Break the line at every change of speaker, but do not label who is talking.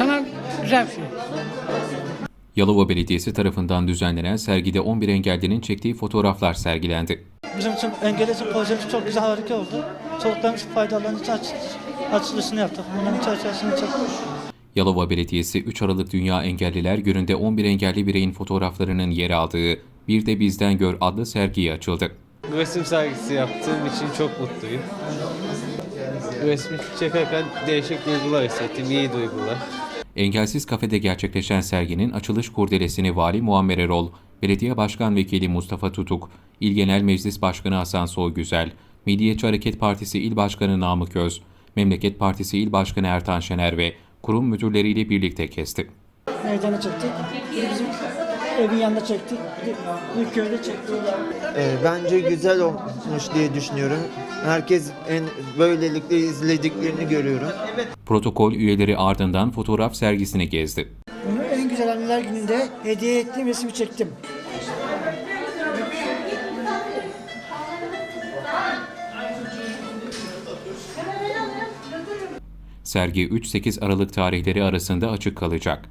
insana güzel bir şey.
Yalova Belediyesi tarafından düzenlenen sergide 11 engellinin çektiği fotoğraflar sergilendi.
Bizim için engelli için projemiz çok güzel, harika oldu. Çocuklarımız faydalanıcı açılışını yaptık. Bunların çerçevesini çektik.
Yalova Belediyesi 3 Aralık Dünya Engelliler Günü'nde 11 engelli bireyin fotoğraflarının yer aldığı Bir de Bizden Gör adlı sergiyi açıldı.
Resim sergisi yaptığım için çok mutluyum. Resmi çekerken değişik duygular hissettim, iyi duygular.
Engelsiz Kafede gerçekleşen serginin açılış kurdelesini Vali Muammer Erol, Belediye Başkan Vekili Mustafa Tutuk, İl Genel Meclis Başkanı Hasan Soygüzel, Milliyetçi Hareket Partisi İl Başkanı Namık Öz, Memleket Partisi İl Başkanı Ertan Şener ve kurum müdürleriyle birlikte kesti.
Meydana çektik. Bizim evin yanında çektik. Bir köyde çektik.
Bence güzel olmuş diye düşünüyorum. Herkes böylelikle izlediklerini görüyorum.
Protokol üyeleri ardından fotoğraf sergisini gezdi.
Bunu en güzel anneler gününde hediye ettiğim resmi çektim.
Sergi 3-8 Aralık tarihleri arasında açık kalacak.